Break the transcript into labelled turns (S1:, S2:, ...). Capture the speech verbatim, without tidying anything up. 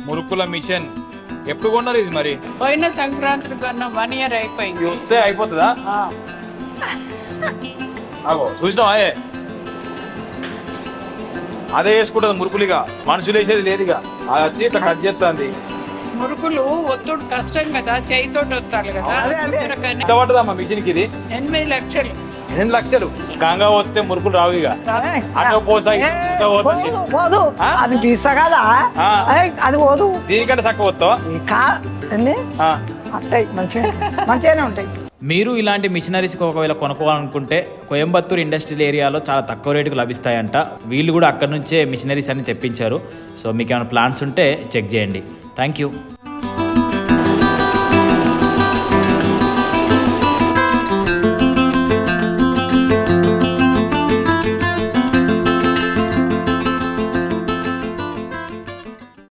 S1: మురుకుల machine ఎప్పుడు కొన్నారు ఇది మరి?
S2: పోయిన సంక్రాంతికి కొన్న వన్ ఇయర్ అయిపోయింది.
S1: ఇది వస్తే అయిపోతుందా?
S2: ఆ.
S1: అగో చూసినావా? అదే అదే వేసుకుంటుంది మురుకులుగా, మనుషులు వేసేది లేదుగా. అది వచ్చి ఇట్లా కట్ చేస్తుంది.
S2: మురుకులు ఒత్తుడు కష్టం కదా, చేయితో వత్తాలి కదా.
S1: ఎంత పడుతుందమ్మా మిషన్ కి ఇది?
S2: ఎనిమిది లక్షలు.
S1: ఎనిమిది లక్షలు గంగా వస్తే మురుకులు రావు ఇక. అటు పోసాయి
S3: పోదు, అది పిస్స కదా, అది పోదు.
S1: దీనికంటే చక్కగా వస్తావా?
S3: ఉంటాయి మంచిగా మంచిగానే ఉంటాయి.
S4: మీరు ఇలాంటి మిషనరీస్ ఒకవేళ కొనుక్కోవాలనుకుంటే కోయంబత్తూర్ ఇండస్ట్రియల్ ఏరియాలో చాలా తక్కువ రేటుకు లభిస్తాయంట. వీళ్ళు కూడా అక్కడ నుంచే మిషనరీస్ అన్ని తెప్పించారు. సో మీకు ఏమైనా ప్లాన్స్ ఉంటే చెక్ చేయండి. Thank you.